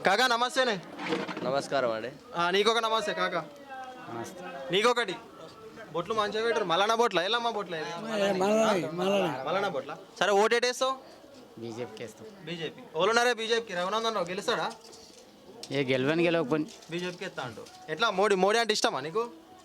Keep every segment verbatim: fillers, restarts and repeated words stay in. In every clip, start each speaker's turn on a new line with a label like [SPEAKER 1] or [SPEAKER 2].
[SPEAKER 1] కాకా నమస్తేనే.
[SPEAKER 2] నమస్కారం అండి.
[SPEAKER 1] ఆ, నీకొక నమస్తే కాకా. నీకొకటి బొట్లు మంచిగా పెట్టరు. మలానా బొట్ల ఎల్లమ్మ బొట్ల ఇది? మలానా బొట్ల. సరే ఓటేటేస్తావు?
[SPEAKER 3] బీజేపీకి వేస్తాం.
[SPEAKER 1] బీజేపీ. ఎవరున్నారే బీజేపీకి? రఘునందన్ రావు గెలుస్తాడా?
[SPEAKER 3] ఏ గెలవని గెలవకపోయి
[SPEAKER 1] బీజేపీకి ఎత్తా అంటూ ఎట్లా? మోడీ మోడీ అంటే ఇష్టమా నీకు?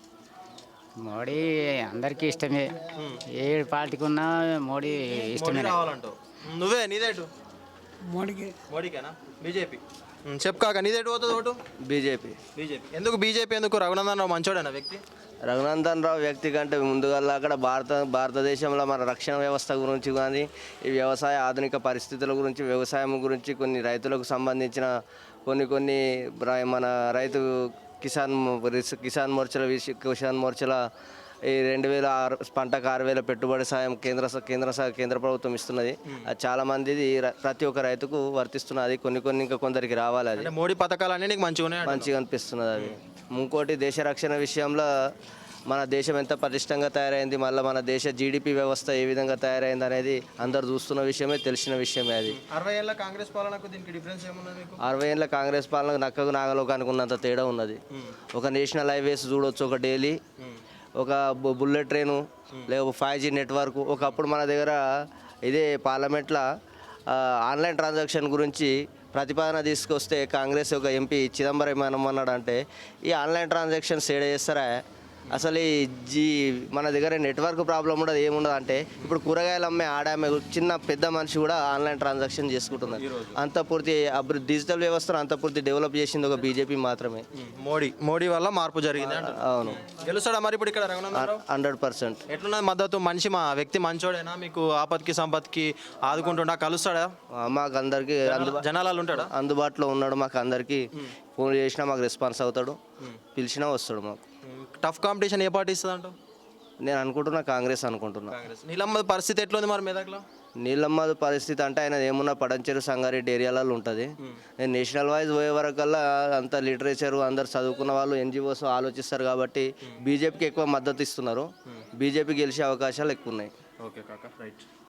[SPEAKER 3] మోడీ అందరికీ ఇష్టమే. ఏ పార్టీకి ఉన్నా మోడీ
[SPEAKER 1] మోడీ
[SPEAKER 3] ఇష్టమే.
[SPEAKER 1] రావాలంటావు. నువ్వే నీదేటు?
[SPEAKER 4] మోడీకి
[SPEAKER 1] మోడీకేనా? బీజేపీ. చెప్పు కాక నీదేటు పోతుంది ఓటు?
[SPEAKER 2] బీజేపీ.
[SPEAKER 1] బీజేపీ. ఎందుకు బీజేపీ? ఎందుకు? రఘునందన్ రావు మంచోడేనా వ్యక్తి?
[SPEAKER 2] రఘునందన్ రావు వ్యక్తి కంటే ముందుగా అక్కడ భారత భారతదేశంలో మన రక్షణ వ్యవస్థ గురించి కానీ ఈ వ్యవసాయ ఆధునిక పరిస్థితుల గురించి వ్యవసాయం గురించి కొన్ని రైతులకు సంబంధించిన కొన్ని కొన్ని ర- మన రైతు కిసాన్ మో- రిస్- కిసాన్ మోర్చల విషయ కిసాన్ మోర్చల ఈ రెండు వేల ఆరు పంటకు ఆరు వేల పెట్టుబడి సాయం కేంద్ర స- కేంద్ర స- కేంద్ర ప్రభుత్వం ఇస్తున్నది. అది చాలా మందిది ర- ప్రతి ఒక్క రైతుకు వర్తిస్తున్నది. కొన్ని కొన్ని ఇంకా కొందరికి రావాలి. అది
[SPEAKER 1] అంటే మోడీ పథకాలన్నీ నీకు మంచిగా ఉన్నాయి అంటున్నావు.
[SPEAKER 2] మంచిగా అనిపిస్తున్నది. అది ఇంకోటి దేశ రక్షణ విషయంలో మన దేశం ఎంత పటిష్టంగా తయారైంది, మళ్ళీ మన దేశ జీడిపి వ్యవస్థ ఏ విధంగా తయారైంది అనేది అందరు చూస్తున్న విషయమే, తెలిసిన విషయమే. అది
[SPEAKER 1] అరవై ఏళ్ళ కాంగ్రెస్ పాలనకు దీనికి డిఫరెన్స్ ఏమున్నది మీకు?
[SPEAKER 2] అరవై ఏళ్ళ కాంగ్రెస్ పాలనకు నక్కకు నాగలోకానికి ఉన్నంత తేడా ఉన్నది. ఒక నేషనల్ హైవేస్ చూడొచ్చు, ఒక డైలీ ఒక బు- బుల్లెట్ ట్రైను, లేకపోతే ఫైవ్ జీ నెట్వర్క్. ఒకప్పుడు మన దగ్గర ఇదే పార్లమెంట్లో ఆ, ఆన్లైన్ ట్రాన్సాక్షన్ గురించి ప్రతిపాదన తీసుకొస్తే కాంగ్రెస్ ఒక ఎంపీ చిదంబరం ఏమన్నాడు అంటే, ఈ ఆన్లైన్ ట్రాన్సాక్షన్స్ ఏడ చేస్తారా, అసలు ఈ జీ మన దగ్గర నెట్వర్క్ ప్రాబ్లం ఉండదు, ఏముండదు అంటే ఇప్పుడు కూరగాయలు అమ్మే ఆడామె చిన్న పెద్ద మనిషి కూడా ఆన్లైన్ ట్రాన్సాక్షన్ చేసుకుంటున్నారు. అంత పూర్తి అభివృద్ధి డిజిటల్ వ్యవస్థను అంత పూర్తి డెవలప్ చేసింది ఒక బీజేపీ మాత్రమే.
[SPEAKER 1] మోడీ మోడీ వల్ల మార్పు జరిగింది అంటారు.
[SPEAKER 2] అవును,
[SPEAKER 1] గెలుస్తాడా మరి ఇప్పుడు ఇక్కడ రఘునందన్ రావు?
[SPEAKER 2] Hundred percent.
[SPEAKER 1] ఎట్లున్నది మద్దతు? మనిషి మా వ్యక్తి మంచోడేనా? మీకు ఆపత్కి సంపత్కి ఆదుకుంటుండా? కలుస్తాడా?
[SPEAKER 2] మాకు అందరికీ అందు
[SPEAKER 1] జనాలు ఉంటాడా?
[SPEAKER 2] అందుబాటులో ఉన్నాడు. మాకు అందరికీ ఫోన్ చేసినా మాకు రెస్పాన్స్ అవుతాడు, పిలిచినా వస్తాడు. మాకు
[SPEAKER 1] టఫ్ కాంపిటీషన్ ఏ పార్టీ ఇస్తుంది అంటావు?
[SPEAKER 2] నేను అనుకుంటున్నా కాంగ్రెస్ అనుకుంటున్నా.
[SPEAKER 1] కాంగ్రెస్. నీలమ్మ పరిస్థితి ఎట్లుంది మరి మెదక్లో?
[SPEAKER 2] నీళ్ళమ్మది పరిస్థితి అంటే ఆయన ఏమున్నా పడంచెరు సంగారెడ్డి ఏరియాలలో ఉంటుంది. నేను నేషనల్ వైజ్ పోయే వరకల్లా అంత లిటరేచర్ అందరు చదువుకున్న వాళ్ళు ఎన్జిఓస్ ఆలోచిస్తారు కాబట్టి బీజేపీకి ఎక్కువ మద్దతు ఇస్తున్నారు. బీజేపీ గెలిచే అవకాశాలు ఎక్కువ ఉన్నాయి.
[SPEAKER 1] ఓకే కాకా, రైట్.